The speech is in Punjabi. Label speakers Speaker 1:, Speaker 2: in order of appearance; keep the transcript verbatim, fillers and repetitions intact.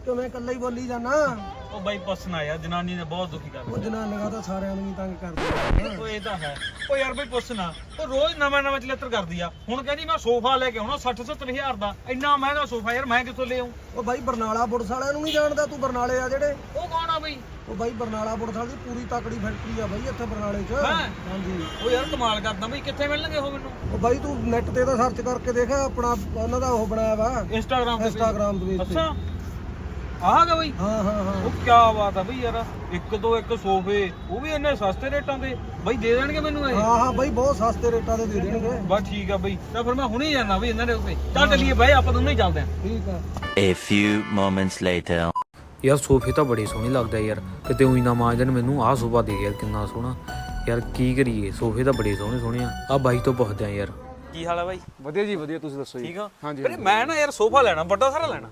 Speaker 1: ਕਿਵੇਂ ਇਕੱਲਾ ਹੀ ਬੋਲੀ ਜਾਣਾ?
Speaker 2: ਉਹ ਬਾਈ ਪੁੱਛਣਾ ਯਾਰ, ਜਨਾਨੀ ਨੇ ਬਹੁਤ ਦੁਖੀ ਕਰ
Speaker 1: ਉਹ ਜਨਾਨੀਆਂ ਤਾਂ ਸਾਰਿਆਂ ਨੂੰ ਹੀ ਤੰਗ ਕਰਦੀਆਂ।
Speaker 2: ਉਹ ਇਹ ਤਾਂ ਹੈ। ਉਹ ਯਾਰ ਬਈ ਪੁੱਛਣਾ, ਉਹ ਰੋਜ਼ ਨਵਾਂ ਨਵਾਂ ਚਲੇਤਰ ਕਰਦੀ ਆ। ਹੁਣ ਕਹਿੰਦੀ ਮੈਂ ਸੋਫਾ ਲੈ ਕੇ ਆਉਣਾ ਸੱਠ ਸੱਤਰ ਹਜ਼ਾਰ ਦਾ, ਇੰਨਾ ਮਹਿੰਗਾ ਸੋਫਾ ਯਾਰ ਮੈਂ ਕਿੱਥੋਂ ਲੈ ਆਉਂ?
Speaker 1: ਉਹ ਬਾਈ ਬਰਨਾਲਾ ਪੁਲਿਸ ਵਾਲਿਆਂ ਨੂੰ ਨਹੀਂ ਜਾਣਦਾ ਤੂੰ? ਬਰਨਾਲੇ ਆ ਜਿਹੜੇ,
Speaker 2: ਉਹ ਕੌਣ ਆ ਬਈ?
Speaker 1: ਉਹ ਬਾਈ ਬਰਨਾਲਾ ਪੁਲਿਸ ਵਾਲੀ ਪੂਰੀ ਤਕੜੀ ਫੈਕਟਰੀ ਆ ਬਾਈ ਇੱਥੇ ਬਰਨਾਲੇ 'ਚ।
Speaker 2: ਹੈਂ?
Speaker 1: ਹਾਂਜੀ।
Speaker 2: ਉਹ ਯਾਰ ਕਮਾਲ ਕਰਦਾ ਬਈ, ਕਿੱਥੇ ਮਿਲਣਗੇ ਉਹ ਮੈਨੂੰ?
Speaker 1: ਉਹ ਬਾਈ ਤੂੰ ਨੈਟ ਤੇ ਤਾਂ ਸਰਚ ਕਰਕੇ ਦੇਖ, ਆਪਣਾ ਉਹਨਾਂ ਦਾ ਉਹ ਬਣਾਇਆ ਵਾ
Speaker 2: ਇੰਸਟਾਗ੍ਰਾਮ ਤੇ।
Speaker 1: ਇੰਸਟਾਗ੍ਰਾਮ ਦੇ ਵਿੱਚ।
Speaker 2: ਅੱਛਾ ਆਹ ਗਾ ਬਈ?
Speaker 1: ਹਾਂ ਹਾਂ ਹਾਂ।
Speaker 2: ਉਹ ਕੀ ਬਾਤ ਆ ਬਈ ਯਾਰ, ਇੱਕ ਤੋਂ ਇੱਕ ਸੋਫੇ, ਉਹ ਵੀ ਇੰਨੇ ਸਸਤੇ ਰੇਟਾਂ ਦੇ ਬਈ ਦੇ ਦੇਣਗੇ ਮੈਨੂੰ ਇਹ?
Speaker 1: ਹਾਂ ਹਾਂ ਬਾਈ ਬਹੁਤ ਸਸਤੇ ਰੇਟਾਂ ਦੇ ਦੇ ਦੇਣਗੇ।
Speaker 2: ਬਸ ਠੀਕ ਆ ਬਈ, ਤਾਂ ਫਿਰ ਮੈਂ ਹੁਣੇ ਜਾਣਾ ਬਈ ਇਹਨਾਂ ਦੇ ਉੱਤੇ। ਚੱਲ ਚੱਲੀਏ ਬਾਈ, ਆਪਾਂ ਦੋਨੋਂ ਹੀ ਚੱਲਦੇ ਆਂ।
Speaker 1: ਠੀਕ ਆ।
Speaker 3: A few moments later.
Speaker 4: ਯਾਰ ਸੋਫੇ ਤਾਂ ਬੜੇ ਸੋਹਣੇ ਲੱਗਦਾ ਯਾਰ, ਕਿਤੇ ਉਹੀ ਨਾ ਮਾਂਜਣ ਮੈਨੂੰ ਆਹ ਸੋਫਾ ਦੇ ਯਾਰ, ਕਿੰਨਾ ਸੋਹਣਾ ਯਾਰ। ਕੀ ਕਰੀਏ, ਸੋਫੇ ਤਾਂ ਬੜੇ ਸੋਹਣੇ ਸੋਹਣੇ ਆ। ਆ ਬਾਈ ਤੋਂ ਪੁੱਛਦੇ ਆ ਯਾਰ।
Speaker 2: ਕੀ ਹਾਲ ਆ ਬਾਈ?
Speaker 5: ਵਧੀਆ ਜੀ ਵਧੀਆ, ਤੁਸੀਂ ਦੱਸੋ ਜੀ।
Speaker 2: ਠੀਕ ਆ?
Speaker 5: ਹਾਂਜੀ
Speaker 2: ਵੀਰੇ ਮੈਂ ਨਾ ਯਾਰ ਸੋਫਾ ਲੈਣਾ, ਵੱਡਾ ਸਾਰਾ ਲੈਣਾ।